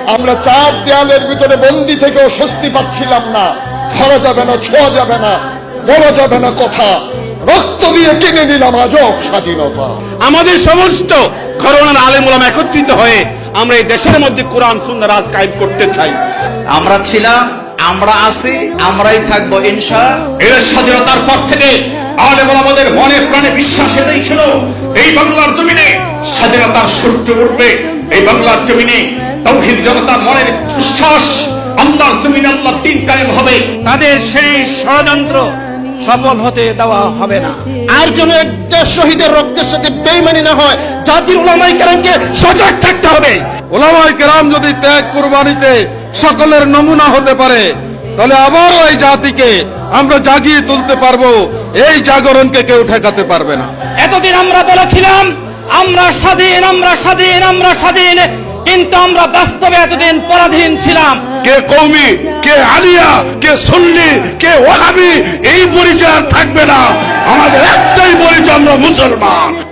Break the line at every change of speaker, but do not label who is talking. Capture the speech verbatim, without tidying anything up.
আমরা চার দেয়ালের ভিতরে বন্দি থেকেও স্বস্তি পাচ্ছিলাম না। ধরা যাবে না, ছোঁয়া যাবে না, বলা যাবে না কথা। রক্ত দিয়ে কিনে নিলাম আজব স্বাধীনতা।
আমাদের সমস্ত ঘরানার আলেম ওলামা একত্রিত হয়ে আমরা এই দেশের মধ্যে কোরআন সুন্নাহ রাজ কায়েম করতে চাই।
আমরা ছিলাম, আমরা আছি, আমরাই থাকবো ইনশাআল্লাহ।
এর স্বাধীনতার পর থেকে আলেম ওলামাদের মনে প্রাণে বিশ্বাস এটাই ছিল, এই বাংলার জমিনে স্বাধীনতার সূর্য উঠবে। এই বাংলার জমিনে তাওহীদ জনতার মনের বিশ্বাস, আল্লাহর জমিনে আল্লাহর দ্বীন কায়েম হবে।
তাদের সেই ষড়যন্ত্র সফল হতে দেওয়া হবে না।
আর যেন একটা শহীদের রক্তের সাথে বেইমানি না হয়, জাতির উলামায়ে কেরামকে সজাগ থাকতে হবে।
উলামায়ে কেরাম যদি ত্যাগ কুরবানিতে সকলের নমুনা হতে পারে, তাহলে আবারও এই জাতিকে আমরা জাগিয়ে তুলতে পারবো। এই জাগরণকে কেউ ঠেকাতে পারবে না।
এতদিন আমরা বলেছিলাম আমরা স্বাধীন, আমরা স্বাধীন, আমরা স্বাধীন, কিন্তু আমরা বাস্তবে এতদিন পরাধীন ছিলাম।
কে কওমি, কে আলিয়া, কে সুন্নি, কে ওয়াহাবি, এই পরিচয় থাকবে না। আমাদের একটাই পরিচয়, আমরা মুসলমান।